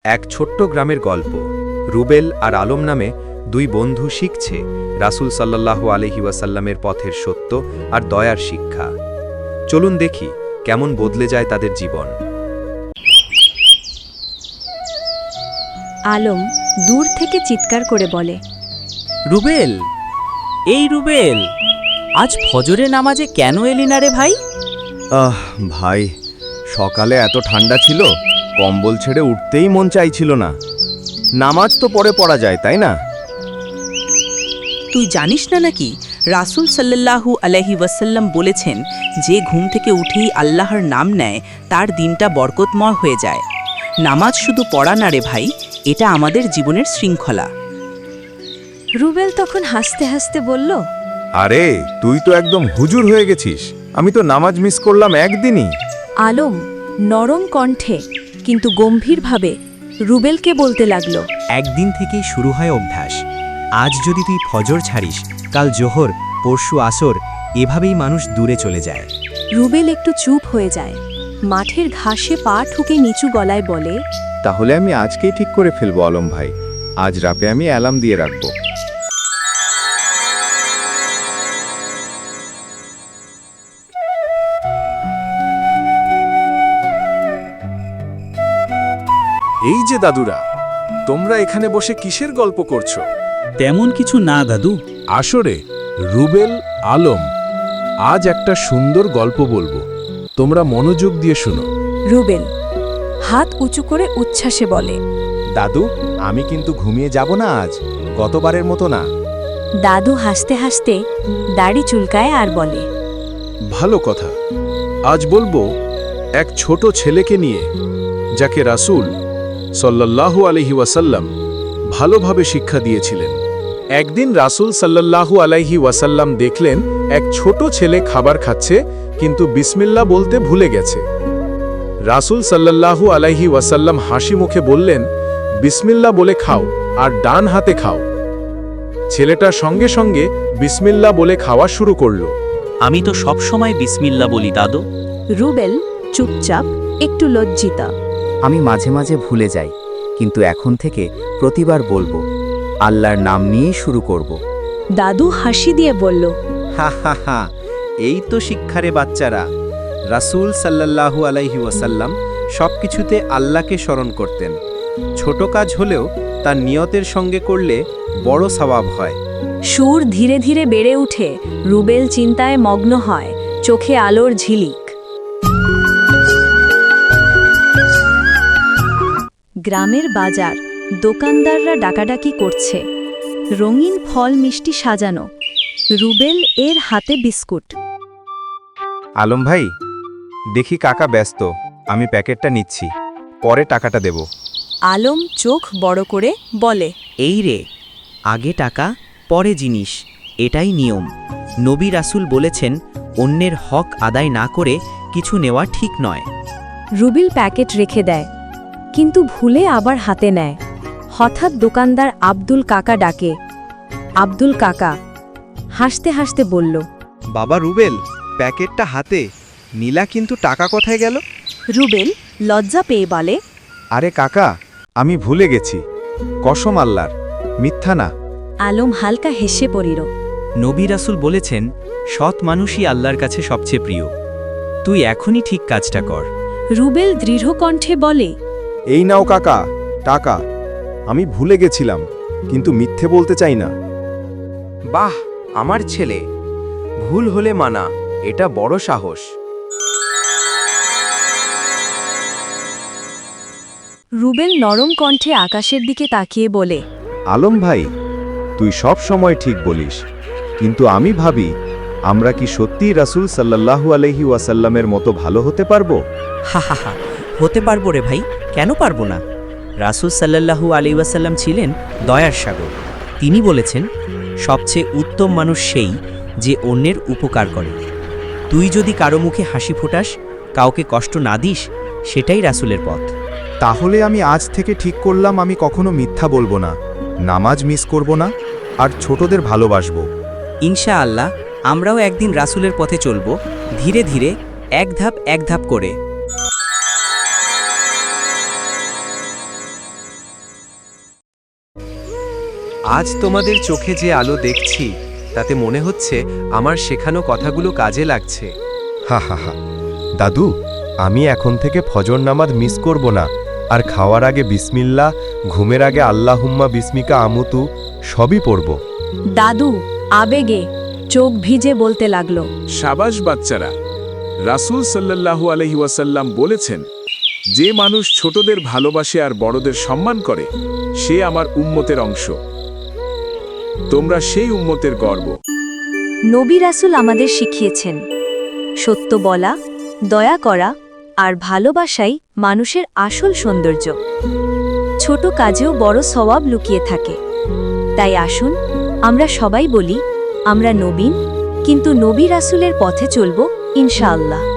এক ছোট্ট গ্রামের গল্প। রুবেল আর আলম নামে দুই বন্ধু শিখছে রাসূল সাল্লাল্লাহু আলাইহি ওয়াসাল্লামের পথের সত্য আর দয়ার শিক্ষা। চলুন দেখি কেমন বদলে যায় তাদের জীবন। আলম দূর থেকে চিৎকার করে বলে, রুবেল, এই রুবেল, আজ ফজরে নামাজে কেন এলি না রে ভাই? ভাই, সকালে এত ঠান্ডা ছিল, কম্বল ছেড়ে উঠতেই মন চাইছিল না। নামাজ তো পরে পড়া যায়, তাই না? তুই জানিস না নাকি রাসূল সাল্লাল্লাহু আলাইহি ওয়াসাল্লাম বলেছেন, যে ঘুম থেকে উঠেই আল্লাহর নাম নেয় তার দিনটা বরকতময় হয়ে যায়। নামাজ শুধু পড়া না রে ভাই, এটা আমাদের জীবনের শৃঙ্খলা। রুবেল তখন হাসতে হাসতে বলল, আরে তুই তো একদম হুজুর হয়ে গেছিস। আমি তো নামাজ মিস করলাম একদিনই। আলম নরম কণ্ঠে কিন্তু গম্ভীরভাবে রুবেলকে বলতে লাগলো, একদিন থেকেই শুরু হয় অভ্যাস। আজ যদি তুই ফজর ছাড়িস, কাল জোহর, পরশু আসর, এভাবেই মানুষ দূরে চলে যায়। রুবেল একটু চুপ হয়ে যায়। মাঠের ঘাসে পা ঠুকে নিচু গলায় বলে, তাহলে আমি আজকেই ঠিক করে ফেলবো আলম ভাই। আজ রাতে আমি অ্যালার্ম দিয়ে রাখবো। এই যে দাদুরা, তোমরা এখানে বসে কিসের গল্প করছো? তেমন কিছু না দাদু। আসরে রুবেল, আলম, আজ একটা সুন্দর গল্প বলবো, তোমরা মনোযোগ দিয়ে শোনো। রুবেল হাত উঁচু করে উচ্ছ্বাসে বলে, দাদু, আমি কিন্তু ঘুমিয়ে যাব না আজ, গতবারের মতো না। দাদু হাসতে হাসতে দাড়ি চুলকায় আর বলে, ভালো কথা। আজ বলবো এক ছোট ছেলেকে নিয়ে, যাকে রাসূল সাল্লাল্লাহু আলাইহি ওয়াসাল্লাম ভালোভাবে শিক্ষা দিয়েছিলেন। একদিন রাসূল সাল্লাল্লাহু আলাইহি ওয়াসাল্লাম দেখলেন এক ছোট ছেলে খাবার খাচ্ছে, কিন্তু বিসমিল্লাহ বলতে ভুলে গেছে। রাসূল সাল্লাল্লাহু আলাইহি ওয়াসাল্লাম হাসি মুখে বললেন, বিসমিল্লাহ বলে খাও আর ডান হাতে খাও। ছেলেটা সঙ্গে সঙ্গে বিসমিল্লাহ বলে খাওয়া শুরু করলো। আমি তো সব সময় বিসমিল্লাহ বলি দাদু। রুবেল চুপচাপ, একটু লজ্জিত। আমি মাঝে মাঝে ভুলে যাই, কিন্তু এখন থেকে প্রতিবার বলবো, আল্লাহর নাম নিয়েই শুরু করব। দাদু হাসি দিয়ে বলল, হা হা হা, এই তো শিক্ষারে বাচ্চারা। রাসূল সাল্লাল্লাহু আলাইহি ওয়াসাল্লাম সবকিছুতে আল্লাহকে স্মরণ করতেন। ছোট কাজ হলেও তার নিয়তের সঙ্গে করলে বড় সওয়াব হয়। সুর ধীরে ধীরে বেড়ে উঠে। রুবেল চিন্তায় মগ্ন হয়, চোখে আলোর ঝিলিক। গ্রামের বাজার, দোকানদাররা ডাকাডাকি করছে। রঙিন ফল মিষ্টি সাজানো। রুবেল এর হাতে বিস্কুট। আলম ভাই, দেখি কাকা ব্যস্ত, আমি প্যাকেটটা নিচ্ছি, পরে টাকাটা দেব। আলম চোখ বড় করে বলে, এই রে, আগে টাকা পরে জিনিস, এটাই নিয়ম। নবী রাসূল বলেছেন, অন্যের হক আদায় না করে কিছু নেওয়া ঠিক নয়। রুবেল প্যাকেট রেখে দেয়, কিন্তু ভুলে আবার হাতে নেয়। হঠাৎ দোকানদার আব্দুল কাকা ডাকে। আব্দুল কাকা হাসতে হাসতে বলল, বাবা রুবেল, প্যাকেটটা হাতে নীলা, কিন্তু টাকা কোথায় গেল? রুবেল লজ্জা পেয়ে বলে, আরে কাকা, আমি ভুলে গেছি, কসম আল্লাহর, মিথ্যা না। আলম হালকা হেসে পড়িল। নবী রাসূল বলেছেন, সৎ মানুষই আল্লাহর কাছে সবচেয়ে প্রিয়। তুই এখনই ঠিক কাজটা কর। রুবেল দৃঢ় কণ্ঠে বলে, এই নাও কাকা, টাকা। আমি ভুলে গেছিলাম, কিন্তু মিথ্যে বলতে চাই না। বাহ, আমার ছেলে, ভুল হলে মানা, এটা বড় সাহস। রুবেল নরম কণ্ঠে আকাশের দিকে তাকিয়ে বলে, আলম ভাই, তুই সব সময় ঠিক বলিস, কিন্তু আমি ভাবি, আমরা কি সত্যিই রাসূল সাল্লাল্লাহু আলাইহি ওয়াসাল্লামের মতো ভালো হতে পারবো? হা হা হা, হতে পারবো রে ভাই, কেন পারবো না? রাসূল সাল্লাল্লাহু আলাইহি ওয়াসাল্লাম ছিলেন দয়ার সাগর। তিনি বলেছেন, সবচেয়ে উত্তম মানুষ সেই যে অন্যের উপকার করে। তুই যদি কারো মুখে হাসি ফোটাস, কাউকে কষ্ট না দিস, সেটাই রাসূলের পথ। তাহলে আমি আজ থেকে ঠিক করলাম, আমি কখনো মিথ্যা বলবো না, নামাজ মিস করব না, আর ছোটদের ভালোবাসবো। ইনশাআল্লাহ আমরাও একদিন রাসূলের পথে চলব, ধীরে ধীরে, এক ধাপ করে। আজ তোমাদের চোখে যে আলো দেখছি তাতে মনে হচ্ছে আমার শেখানো কথাগুলো কাজে লাগছে। হা হা হা দাদু, আমি এখন থেকে ফজর নামাজ মিস করব না, আর খাওয়ার আগে বিসমিল্লাহ, ঘুমের আগে আল্লাহুম্মা বিসমিকা আমুতু সবই পড়ব। দাদু আবেগে চোখ ভিজে বলতে লাগলো, শাবাশ বাচ্চারা, রাসূল সাল্লাল্লাহু আলাইহি ওয়াসাল্লাম বলেছেন, যে মানুষ ছোটদের ভালোবাসে আর বড়দের সম্মান করে সে আমার উম্মতের অংশ। তোমরা সেই উম্মতের গর্ব। নবী রাসূল আমাদের শিখিয়েছেন সত্য বলা, দয়া করা আর ভালোবাসাই মানুষের আসল সৌন্দর্য। ছোট কাজেও বড় সওয়াব লুকিয়ে থাকে। তাই আসুন আমরা সবাই বলি, আমরা নবীন কিন্তু নবী রাসূলের পথে চলব ইনশাআল্লাহ।